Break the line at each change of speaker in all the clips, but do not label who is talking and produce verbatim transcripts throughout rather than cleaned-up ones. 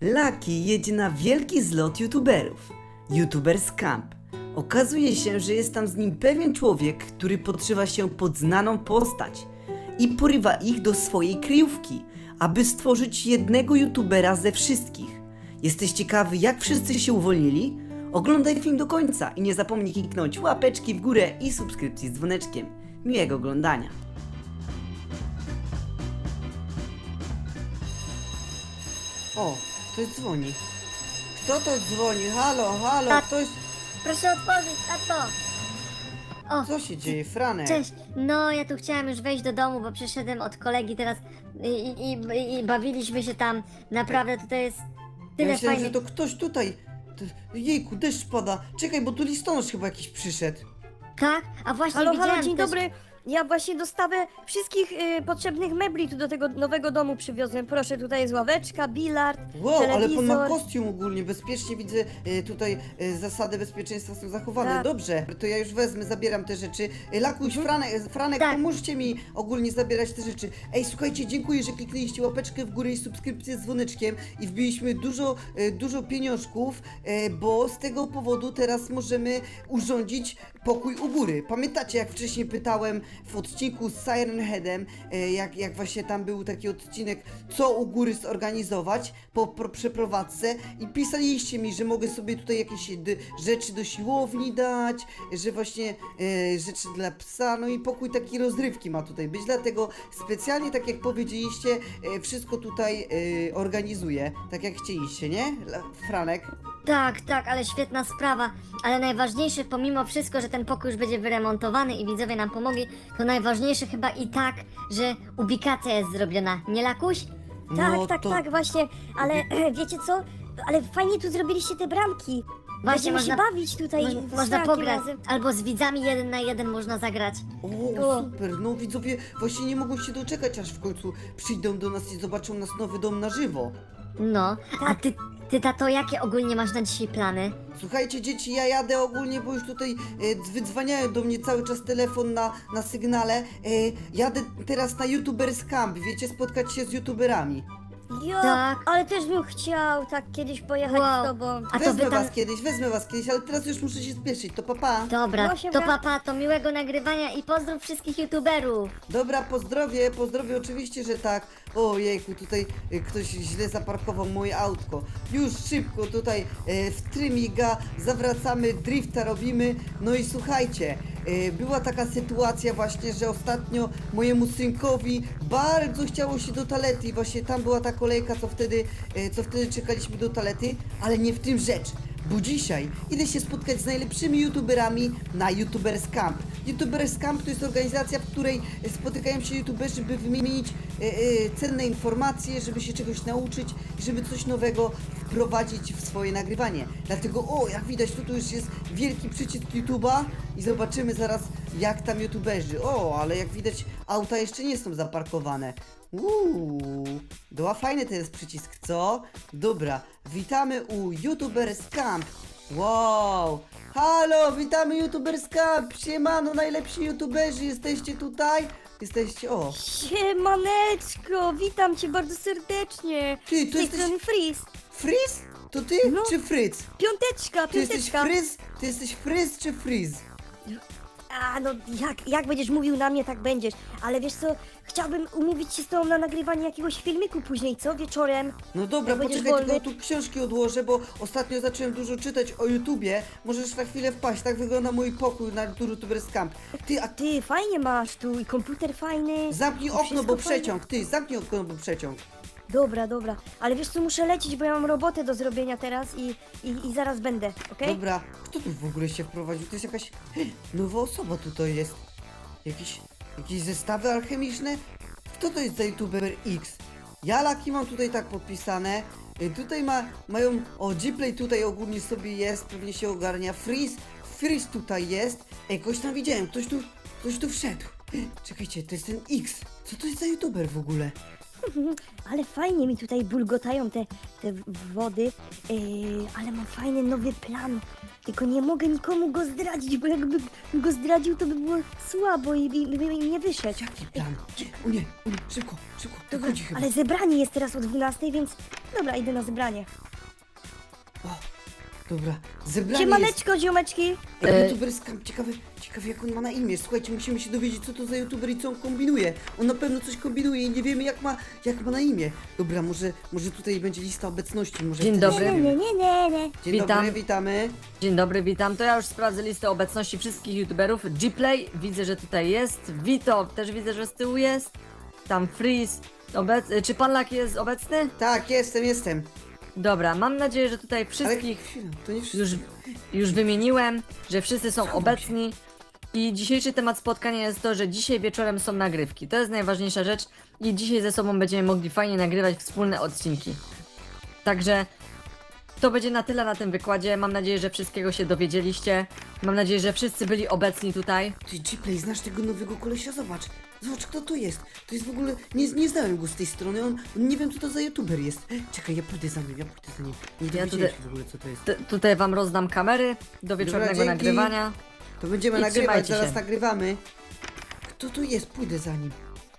Lucky jedzie na wielki zlot youtuberów. YouTubers Camp. Okazuje się, że jest tam z nim pewien człowiek, który podszywa się pod znaną postać i porywa ich do swojej kryjówki, aby stworzyć jednego youtubera ze wszystkich. Jesteś ciekawy, jak wszyscy się uwolnili? Oglądaj film do końca i nie zapomnij kliknąć łapeczki w górę i subskrypcji z dzwoneczkiem. Miłego oglądania. O, ktoś dzwoni. Kto to dzwoni? Halo, halo,
Tak.
ktoś...
Proszę otworzyć, tato! O,
Co się dzieje, Franek?
cześć. No, ja tu chciałem już wejść do domu, bo przyszedłem od kolegi teraz i, i, i, i bawiliśmy się tam. Naprawdę tutaj jest
Ja
tyle
myślałem,
fajnych...
że to ktoś tutaj... To- Jejku, deszcz pada. Czekaj, bo tu listonosz chyba jakiś przyszedł.
Tak? A właśnie
Halo,
widziałem
halo, dzień
też...
dobry. Ja właśnie dostawę wszystkich y, potrzebnych mebli tu do tego nowego domu przywiozłem. Proszę, tutaj jest ławeczka, bilard,
Wow, ale
telewizor.
pan ma kostium ogólnie, bezpiecznie widzę, e, tutaj e, zasady bezpieczeństwa są zachowane.
Tak.
Dobrze, to ja już wezmę, zabieram te rzeczy. E, Lakuś, Franek, e, Franek
Tak.
pomóżcie mi ogólnie zabierać te rzeczy. Ej, słuchajcie, dziękuję, że kliknęliście łapeczkę w górę i subskrypcję z dzwoneczkiem i wbiliśmy dużo, e, dużo pieniążków, e, bo z tego powodu teraz możemy urządzić pokój u góry. Pamiętacie, jak wcześniej pytałem w odcinku z Siren Headem, e, jak, jak właśnie tam był taki odcinek, co u góry zorganizować po, po przeprowadzce i pisaliście mi, że mogę sobie tutaj jakieś d- rzeczy do siłowni dać, że właśnie e, rzeczy dla psa, no i pokój taki rozrywki ma tutaj być, dlatego specjalnie, tak jak powiedzieliście, e, wszystko tutaj e, organizuję, tak jak chcieliście, nie? La- Franek?
Tak, tak, ale świetna sprawa. Ale najważniejsze, pomimo wszystko, że ten pokój już będzie wyremontowany i widzowie nam pomogli, to najważniejsze chyba i tak, że ubikacja jest zrobiona. Nie, Lakuś?
Tak,
No
tak,
to-
tak, właśnie. Ale wiecie co? Ale fajnie tu zrobiliście te bramki.
Właśnie,
Będziemy
można-
się bawić tutaj
Mo-
z
można
Frankiem
pograć.
razem.
Albo z widzami jeden na jeden można zagrać.
O,
O.
super, no widzowie właśnie nie mogą się doczekać, aż w końcu przyjdą do nas i zobaczą nas nowy dom na żywo.
No, a ty, ty tato, jakie ogólnie masz na dzisiaj plany?
Słuchajcie dzieci, ja jadę ogólnie, bo już tutaj e, wydzwaniają do mnie cały czas telefon na, na sygnale. E, jadę teraz na YouTubers Camp, wiecie, spotkać się z YouTuberami.
Jo,
Tak.
ale też bym chciał tak kiedyś pojechać
Wow.
z tobą.
A to
Wezmę
wy tam...
was kiedyś, wezmę was kiedyś, ale teraz już muszę się spieszyć, to papa.
Dobra,
No, siemka.
to papa, to miłego nagrywania i pozdrów wszystkich youtuberów.
Dobra, pozdrowie, pozdrowie oczywiście, że tak. O jejku, tutaj e, ktoś źle zaparkował moje autko. Już szybko tutaj e, w trymiga, zawracamy, drifta robimy. No i słuchajcie, e, była taka sytuacja właśnie, że ostatnio mojemu synkowi bardzo chciało się do toalety i właśnie tam była ta kolejka, co wtedy, e, co wtedy czekaliśmy do toalety, ale nie w tym rzecz. Bo dzisiaj idę się spotkać z najlepszymi youtuberami na YouTubers Camp. YouTubers Camp to jest organizacja, w której spotykają się youtuberzy, by wymienić e, e, cenne informacje, żeby się czegoś nauczyć i żeby coś nowego wprowadzić w swoje nagrywanie. Dlatego, o, jak widać, tu, tu już jest wielki przycisk YouTube'a i zobaczymy zaraz, jak tam youtuberzy. O, ale jak widać, auta jeszcze nie są zaparkowane. Uuu, doła fajny to jest przycisk, co? Dobra, witamy u YouTubers Camp. Wow, halo, witamy YouTubers Camp. Siemano, najlepsi YouTuberzy, jesteście tutaj? Jesteście, o.
Siemaneczko, witam cię bardzo serdecznie.
Ty,
Z
to
tej
jesteś
strony Freeze.
Frizz? To ty
No.
czy Fritz?
Piąteczka,
Ty jesteś
piąteczka.
Frizz? Ty jesteś Frizz czy Frizz?
A no jak, jak będziesz mówił na mnie, tak będziesz. Ale wiesz co, chciałbym umówić się z tobą na nagrywanie jakiegoś filmiku później, co? Wieczorem.
No dobra,
Jak będziesz
poczekaj, tylko
wolny.
tu książki odłożę, bo ostatnio zacząłem dużo czytać o YouTubie. Możesz na chwilę wpaść, tak wygląda mój pokój na YouTubers Camp. Ty, a
Ty, fajnie masz tu i komputer fajny.
zamknij
i
okno,
wszystko
bo
fajne.
przeciąg. Ty, zamknij okno, bo przeciąg.
Dobra, dobra. Ale wiesz co, muszę lecieć, bo ja mam robotę do zrobienia teraz i, i, i zaraz będę, okej?
Dobra, kto tu w ogóle się wprowadził? To jest jakaś nowa osoba tutaj jest. Jakieś, jakieś zestawy alchemiczne? Kto to jest za YouTuber X? Ja Laki mam tutaj tak podpisane. Y, Tutaj ma, mają, o Gplay tutaj ogólnie sobie jest, pewnie się ogarnia. Freeze, Freeze tutaj jest. Ej, kogoś tam widziałem, ktoś tu, ktoś tu wszedł. Czekajcie, to jest ten X. Co to jest za YouTuber w ogóle?
Ale fajnie mi tutaj bulgotają te, te w- wody, yy, ale mam fajny nowy plan. Tylko nie mogę nikomu go zdradzić, bo jakby go zdradził, to by było słabo i, i, i by mi nie wyszedł.
Jaki plan? O nie, o nie, szybko, szybko,
Dobra,
wychodzi chyba.
ale zebranie jest teraz o dwunastej, więc dobra, idę na zebranie.
O, dobra, zebranie jest.
Siemaneczko, ziomeczki!
Ej, youtuber skam, ciekawy, ciekawy jak on ma na imię. Słuchajcie, musimy się dowiedzieć, co to za youtuber i co on kombinuje. On na pewno coś kombinuje i nie wiemy jak ma, jak ma na imię. Dobra, może, może tutaj będzie lista obecności. Może
Dzień
wtedy
dobry.
się
Nie,
dowiemy.
nie, nie, nie.
Dzień
Witam.
dobry, witamy.
Dzień dobry, witam. To ja już sprawdzę listę obecności wszystkich youtuberów. Gplay, widzę, że tutaj jest. Vito, też widzę, że z tyłu jest. Tam Freeze. Obec... Czy pan Laki jest obecny?
Tak, jestem, jestem.
Dobra, mam nadzieję, że tutaj
Ale
wszystkich
chwilę, to nie wszyscy.
już, już wymieniłem, że wszyscy są
Schowam
obecni. I dzisiejszy temat spotkania jest to, że dzisiaj wieczorem są nagrywki. To jest najważniejsza rzecz i dzisiaj ze sobą będziemy mogli fajnie nagrywać wspólne odcinki. Także to będzie na tyle na tym wykładzie. Mam nadzieję, że wszystkiego się dowiedzieliście. Mam nadzieję, że wszyscy byli obecni tutaj.
Ty, Gplay, znasz tego nowego kolesia? Zobacz. Zobacz, kto to jest. To jest w ogóle... Nie, nie znałem go z tej strony. On, on nie wiem, co to za youtuber jest. Czekaj, ja pójdę za nim, ja pójdę za nim. Nie
Ja
dowiedziałem
tutaj-
się w ogóle, co to jest.
T tutaj wam rozdam kamery do wieczornego
dzięki.
nagrywania.
To będziemy
I
nagrywać,
trzymajcie
zaraz
się.
nagrywamy. Kto to jest? Pójdę za nim.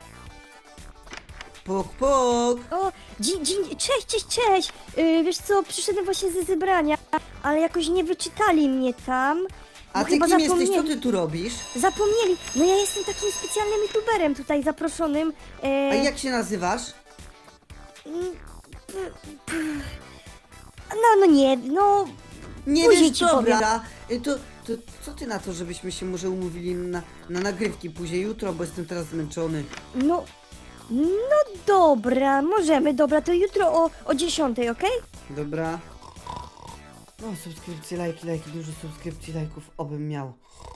Pok, pok.
O, dzień, dzień, cześć, cześć, cześć! Yy, wiesz co, przyszedłem właśnie ze zebrania, ale jakoś nie wyczytali mnie tam.
A
bo
ty
chyba
kim jesteś? Co
zapomnieli.
ty tu robisz?
Zapomnieli! No ja jestem takim specjalnym youtuberem tutaj zaproszonym. E,
A jak się nazywasz?
mm, p- p- No, no nie, no...
Nie
Później
wiesz,
ci
dobra. Y, To, to co ty na to, żebyśmy się może umówili na, na nagrywki później jutro, bo jestem teraz zmęczony.
No... No dobra, możemy, dobra, to jutro o, o dziesiątej, okej?
Dobra. No, subskrypcje, lajki, lajki, dużo subskrypcji, lajków, obym miał.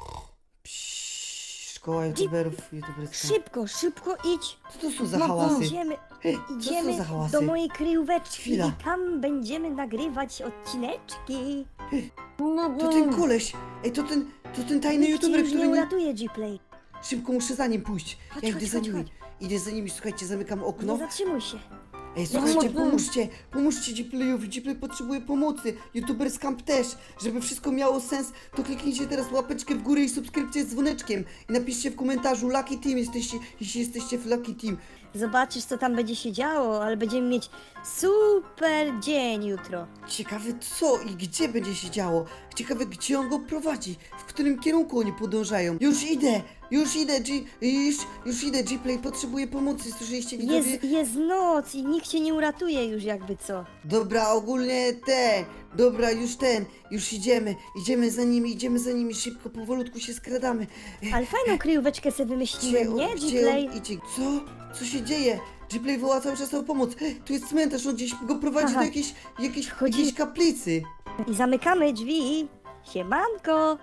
Psz, szkoła youtuberów, youtuberska.
Szybko, szybko idź.
Co to są za
No,
hałasy?
Idziemy,
Hej, co
idziemy
są za hałasy?
do mojej kryjóweczki
Chwila.
i tam będziemy nagrywać odcineczki.
To ten koleś! Ej, to ten, to ten tajny
Nikt cię
youtuber,
już nie
który nie...
uratuje, G-Play.
Szybko muszę za nim pójść.
Chodź,
Ja
chodź,
idę za
chodź,
nimi.
chodź.
Idę za nimi, słuchajcie, zamykam
Nie
okno.
zatrzymuj się.
Ej, słuchajcie,
no.
pomóżcie, pomóżcie Gplayowi, Gplay potrzebuje pomocy, YouTuber Scamp też. Żeby wszystko miało sens, to kliknijcie teraz łapeczkę w górę i subskrypcję z dzwoneczkiem. I napiszcie w komentarzu Lucky Team, jesteście, jeśli jesteście w Lucky Team.
Zobaczysz, co tam będzie się działo, ale będziemy mieć super dzień jutro.
Ciekawe co i gdzie będzie się działo. Ciekawe gdzie on go prowadzi, w którym kierunku oni podążają. Już idę, już idę, G, już, już idę, Gplay potrzebuje pomocy, słyszeliście widzowie?
Jest, jest noc i nikt cię nie uratuje już jakby co.
Dobra, ogólnie te, dobra, już ten, już idziemy, idziemy za nimi, idziemy za nimi, szybko, powolutku się skradamy.
Ale fajną kryjóweczkę sobie wymyśliłem, nie,
gdzie
G-Play?
on idzie? Co? Co się dzieje? Gplay woła cały czas o pomoc. Tu jest cmentarz, on gdzieś go prowadzi
Aha.
do jakiejś, jakiejś,
Chodzi-
jakiejś kaplicy.
I zamykamy drzwi. Siemanko.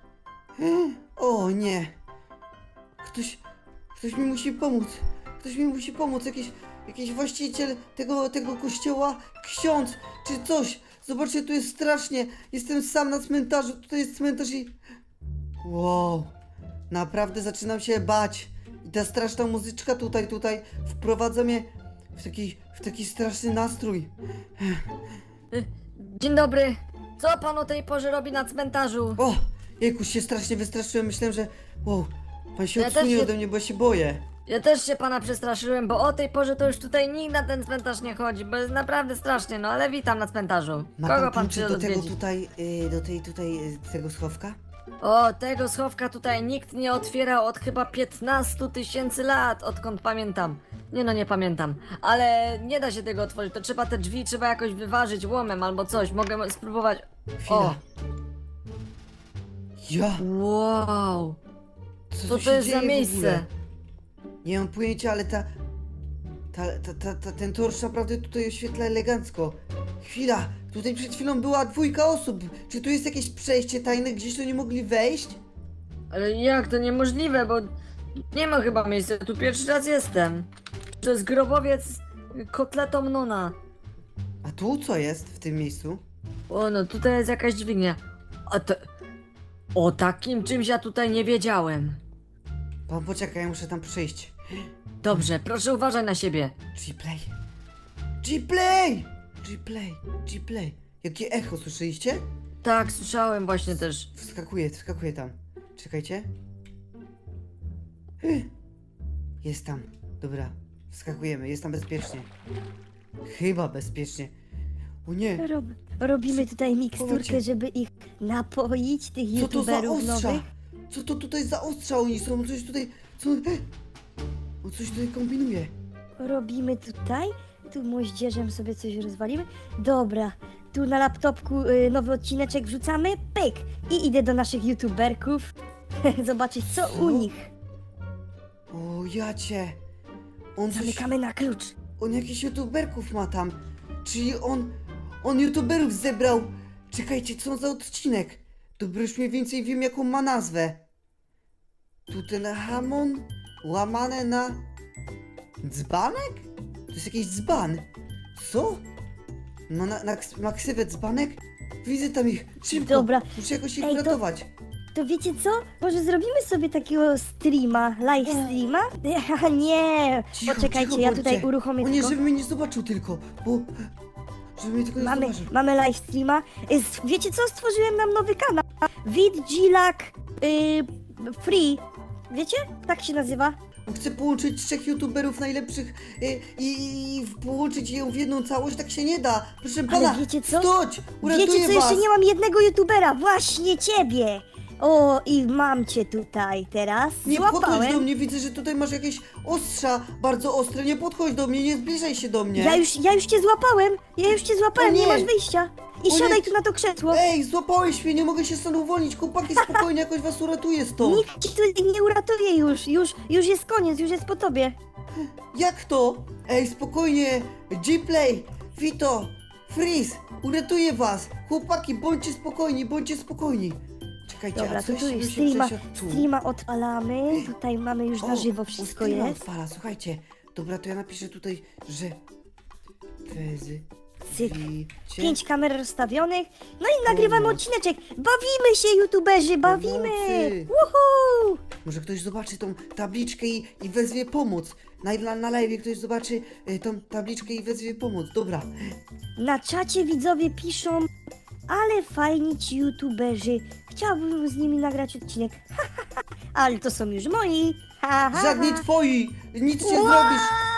O nie. Ktoś, ktoś mi musi pomóc. Ktoś mi musi pomóc, jakiś, jakiś właściciel tego, tego kościoła, ksiądz, czy coś. Zobaczcie, tu jest strasznie. Jestem sam na cmentarzu, tutaj jest cmentarz i... Wow. Naprawdę zaczynam się bać. I ta straszna muzyczka tutaj, tutaj wprowadza mnie w taki, w taki straszny nastrój.
Dzień dobry. Co pan o tej porze robi na cmentarzu?
O! Jejku, się strasznie wystraszyłem, myślałem, że... Wow, pan się
Ja też
odsunie
się-
ode mnie, bo ja się boję.
Ja też się pana przestraszyłem, bo o tej porze to już tutaj nikt na ten cmentarz nie chodzi, bo jest naprawdę strasznie, no ale witam na cmentarzu.
Ma
Kogo
pan
pan
klucze
przyszedł
do tego
odwiedzić?
tutaj, y, do tej tutaj, y, tego schowka?
O, tego schowka tutaj nikt nie otwierał od chyba piętnastu tysięcy lat, odkąd pamiętam. Nie no, nie pamiętam. Ale nie da się tego otworzyć, to trzeba te drzwi, trzeba jakoś wyważyć łomem albo coś. Mogę spróbować.
Chwila.
O,
Ja!
wow.
Co,
Co
tu
to
się
jest
dzieje
za
w
miejsce?
ogóle? Nie mam pojęcia, ale ta... Ta, ta, ta, ta, ten torsz naprawdę tutaj oświetla elegancko. Chwila, tutaj przed chwilą była dwójka osób. Czy tu jest jakieś przejście tajne, gdzieś tu nie mogli wejść?
Ale jak to niemożliwe, bo nie ma chyba miejsca, tu pierwszy raz jestem. To jest grobowiec kotletą Nona.
A tu co jest w tym miejscu?
O no, tutaj jest jakaś dźwignia. A to... O takim czymś ja tutaj nie wiedziałem.
Pan poczekaj, ja muszę tam przyjść.
Dobrze, proszę uważaj na siebie.
G-Play. G-Play! G-Play, G-Play. Jakie echo, słyszeliście?
Tak, słyszałem właśnie też.
Wskakuję, wskakuję tam. Czekajcie. Hy. Jest tam. Dobra, wskakujemy, jest tam bezpiecznie. Chyba bezpiecznie. O nie,
Rob, robimy tutaj miksturkę,
Powiedzcie.
żeby ich napoić, tych
co to za
youtuberów
ostrza?
nowych.
Co to tutaj za ostrza oni są? Coś tutaj, co... On coś tutaj kombinuje.
Robimy tutaj, tu moździerzem sobie coś rozwalimy. Dobra, tu na laptopku y, nowy odcineczek wrzucamy, pyk! I idę do naszych youtuberków zobaczyć co
Co?
u nich.
O, jacie. On coś...
Zamykamy na klucz.
On jakichś youtuberków ma tam. Czyli on... On youtuberów zebrał. Czekajcie, co za odcinek? Dobra, już mniej więcej wiem, jaką ma nazwę. Tutenhamon łamane na... Dzbanek? To jest jakiś dzban. Co? No na, na, na ksywę dzbanek? Widzę tam ich. Szybko.
Dobra.
Muszę jakoś ich
Ej, to-
uratować.
To wiecie co? Może zrobimy sobie takiego streama, live streama? Haha, nie!
Cicho,
Poczekajcie,
cicho,
ja
bądźcie.
tutaj uruchomię
O nie,
tylko.
żeby mnie nie zobaczył tylko, bo... Żeby mnie tylko nie
Mamy,
zobaczył.
mamy live streama. Y, s- Wiecie co? Stworzyłem nam nowy kanał. Vidgilak y, Free. Wiecie? Tak się nazywa.
Chcę połączyć trzech youtuberów najlepszych y, i, i połączyć ją w jedną całość, tak się nie da. Proszę pana,
wiecie co?
stoć! Uratuję
Wiecie co?
was!
Jeszcze nie mam jednego youtubera. Właśnie ciebie. O, i mam cię tutaj teraz.
Nie podchodź do
Złapałem.
mnie, widzę, że tutaj masz jakieś ostrza bardzo ostre. Nie podchodź do mnie, nie zbliżaj się do mnie.
Ja już, ja już cię złapałem. Ja już cię złapałem,
O nie.
nie masz wyjścia. I
O
siadaj
nie.
tu na to krzesło.
Ej, złapałeś mnie, nie mogę się stąd uwolnić. Chłopaki, spokojnie, jakoś was uratuję stąd.
Nikt ci tu nie uratuje już. Już, już jest koniec, już jest po tobie.
Jak to? Ej, spokojnie. G-Play, Vito, Freeze, uratuję was. Chłopaki, bądźcie spokojni, bądźcie spokojni. Czekajcie,
Dobra,
a
to
coś
tu
bym
już
się
streama,
przesiadł tu.
streama odpalamy. Tutaj mamy już na
O,
żywo
o,
wszystko
streama
jest.
odpala, słuchajcie. Dobra, to ja napiszę tutaj, że... Fezy...
Cyk.
wicie-
Pięć kamer rozstawionych. No i nagrywamy
Pomoc.
odcineczek. Bawimy się, youtuberzy, bawimy!
Pomocy.
Woohoo!
Może ktoś zobaczy tą tabliczkę i, i wezwie pomoc. Na, na, na live ktoś zobaczy y, tą tabliczkę i wezwie pomoc. Dobra.
Na czacie widzowie piszą, ale fajni ci youtuberzy. Chciałbym z nimi nagrać odcinek. Ale to są już moi. Ha, ha,
Żadni
ha.
twoi! Nic nie
Wow!
zrobisz!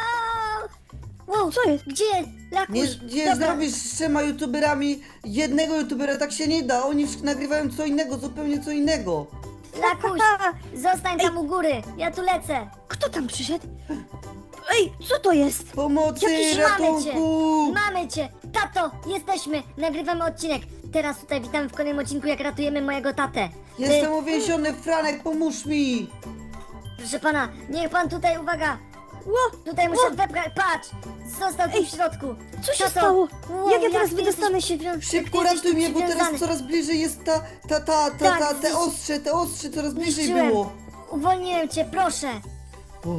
Wow, co jest? Gdzie? Lakuś?
Nie, nie
Dobra.
zrobisz z trzema youtuberami jednego youtubera, tak się nie da. Oni wsz- nagrywają co innego, zupełnie co innego.
Lakuś, zostań tam u góry, ja tu lecę.
Kto tam przyszedł? Ej, co to jest?
Pomocy,
Jakiś mamy cię,
ratunku!
mamy cię, tato, jesteśmy, nagrywamy odcinek. Teraz tutaj witamy w kolejnym odcinku, jak ratujemy mojego tatę.
Jestem
Y,
uwięziony, Franek, pomóż mi!
proszę pana, niech pan tutaj, uwaga,
Ło,
tutaj muszę wepchać, patrz, został tu
Ej,
w środku.
co się
Tato,
stało?
wow,
Jak ja teraz
ty
wydostanę
jesteś
się?
przywią-
Szybko
ty jesteś
ratuj
tu
mnie, bo teraz
przywiązany.
coraz bliżej jest ta, ta, ta, ta,
Tak,
ta, te
zniszczy-
ostrze, te ostrze, coraz bliżej
Zniszczyłem.
było.
Uwolniłem cię, proszę.
Uf.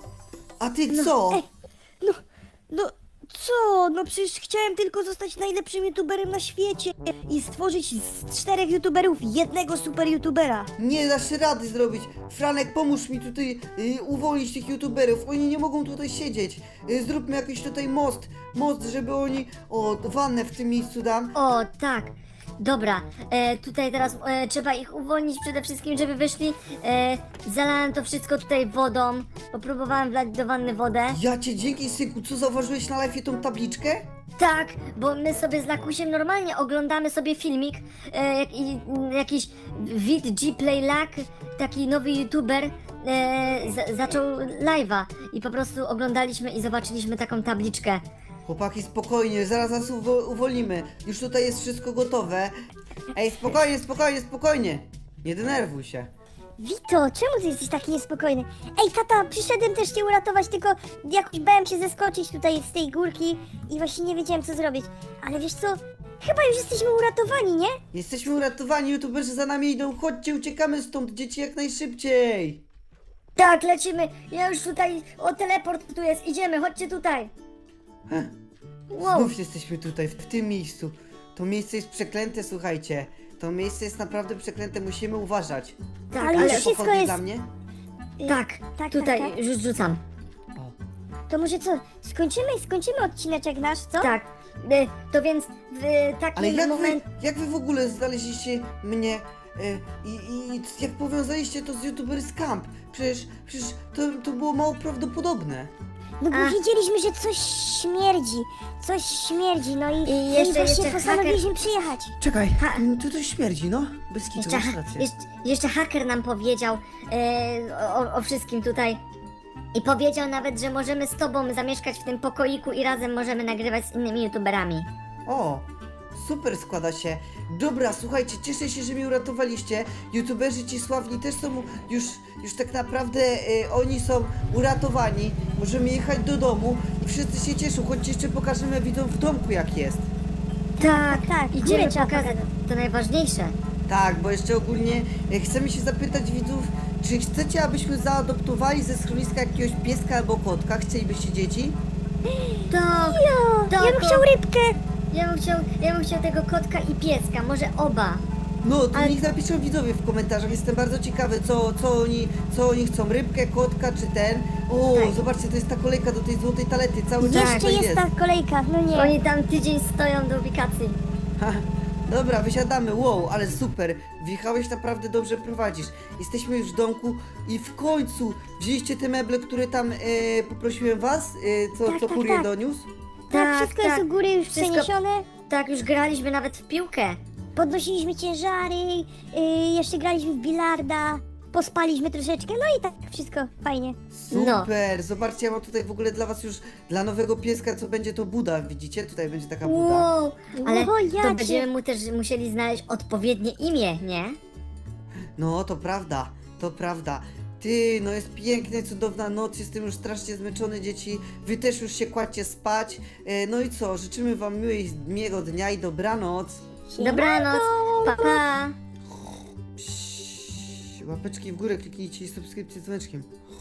A ty co?
Ej, no, no, co? No przecież chciałem tylko zostać najlepszym youtuberem na świecie i stworzyć z czterech youtuberów jednego super youtubera.
Nie dasz rady zrobić. Franek, pomóż mi tutaj y, uwolnić tych youtuberów. Oni nie mogą tutaj siedzieć. Y, zróbmy jakiś tutaj most. Most, żeby oni... O, wannę w tym miejscu dam.
O, tak. Dobra, e, tutaj teraz e, trzeba ich uwolnić przede wszystkim, żeby wyszli. E, zalałem to wszystko tutaj wodą. Popróbowałem wlać do wanny wodę.
Ja cię dzięki, synku. Co, zauważyłeś na live tą tabliczkę?
Tak, bo my sobie z Lakusiem normalnie oglądamy sobie filmik. E, jak, i, m, jakiś Vid G Play Lack, taki nowy youtuber, e, z, zaczął live'a. I po prostu oglądaliśmy i zobaczyliśmy taką tabliczkę.
Chłopaki, spokojnie, zaraz nas uwo- uwolnimy. Już tutaj jest wszystko gotowe. Ej, spokojnie, spokojnie, spokojnie. Nie denerwuj się.
Wito, czemu ty jesteś taki niespokojny? Ej, tata, przyszedłem też cię uratować, tylko jakoś bałem się zeskoczyć tutaj z tej górki i właśnie nie wiedziałem co zrobić. Ale wiesz co? Chyba już jesteśmy uratowani, nie?
Jesteśmy uratowani, youtuberzy za nami idą. Chodźcie, uciekamy stąd, dzieci, jak najszybciej.
Tak, lecimy. Ja już tutaj, o teleport tu jest, idziemy, chodźcie tutaj. Wow.
Znów jesteśmy tutaj, w, w tym miejscu. To miejsce jest przeklęte, słuchajcie. To miejsce jest naprawdę przeklęte, musimy uważać.
Tak,
Ale
ale
już wszystko
pochodnie
jest-
dla mnie?
Y,
Tak,
tak,
tutaj
tak, tak.
już rzucam.
O.
To może co, skończymy, skończymy odcineczek nasz, co?
Tak, y, to więc w takim
Ale jak wy,
momencie...
jak wy w ogóle znaleźliście mnie e, i, i jak powiązaliście to z YouTubers Camp? Przecież, przecież to, to było mało prawdopodobne.
No bo
A.
wiedzieliśmy, że coś śmierdzi, coś śmierdzi, no i,
I
no
jeszcze-
i właśnie
jeszcze
postanowiliśmy przyjechać.
Czekaj,
Ha.
tu coś śmierdzi, no. Bez kitu,
Jeszcze,
masz
ha,
rację.
jeszcze, jeszcze haker nam powiedział e, o, o wszystkim tutaj. I powiedział nawet, że możemy z tobą zamieszkać w tym pokoiku i razem możemy nagrywać z innymi youtuberami.
O, super składa się. Dobra, słuchajcie, cieszę się, że mnie uratowaliście. YouTuberzy ci sławni też są już, już tak naprawdę, e, oni są uratowani. Możemy jechać do domu i wszyscy się cieszą. Chodźcie, jeszcze pokażemy widzom w domku jak jest.
Tak,
tak,
idziemy
górę trzeba
pokazać,
pokazać.
to najważniejsze.
Tak, bo jeszcze ogólnie e, chcemy się zapytać widzów, czy chcecie, abyśmy zaadoptowali ze schroniska jakiegoś pieska albo kotka? Chcielibyście dzieci?
Tak,
Jo,
Tak,
ja bym
to-
chciał rybkę.
ja bym chciał, ja bym chciał tego kotka i pieska, może oba.
No, to
Ale-
niech napiszą widzowie w komentarzach. Jestem bardzo ciekawy, co, co, oni, co oni chcą. Rybkę, kotka czy ten? O,
Tak.
zobaczcie, to jest ta kolejka do tej złotej talety. Cały czas
Jeszcze
tutaj
jest ta kolejka, no nie.
Oni tam tydzień stoją do ubikacji.
Ha, dobra, wysiadamy. Wow, ale super. Wjechałeś, naprawdę dobrze prowadzisz. Jesteśmy już w domku i w końcu wzięliście te meble, które tam e, poprosiłem was, e, co,
Tak,
co
tak,
kurier
tak.
doniósł.
Tak,
Tak,
wszystko
tak.
jest u góry już
Wszystko-
przeniesione.
Tak, już graliśmy nawet w piłkę.
Podnosiliśmy ciężary, yy, jeszcze graliśmy w bilarda, pospaliśmy troszeczkę, no i tak wszystko fajnie.
No.
Super, zobaczcie, ja mam tutaj w ogóle dla was już, dla nowego pieska, co będzie to Buda, widzicie? Tutaj będzie taka Buda.
Wow, ale
O,
to
jacie.
będziemy mu też musieli znaleźć odpowiednie imię, nie?
No, to prawda, to prawda. Ty, no jest piękna, cudowna noc, jestem już strasznie zmęczony, dzieci. Wy też już się kładźcie spać. E, no i co, życzymy wam miłej, miłego dnia i dobranoc.
Dobranoc, pa pa.
Psz, łapeczki w górę kliknijcie i subskrypcję z dzwoneczkiem.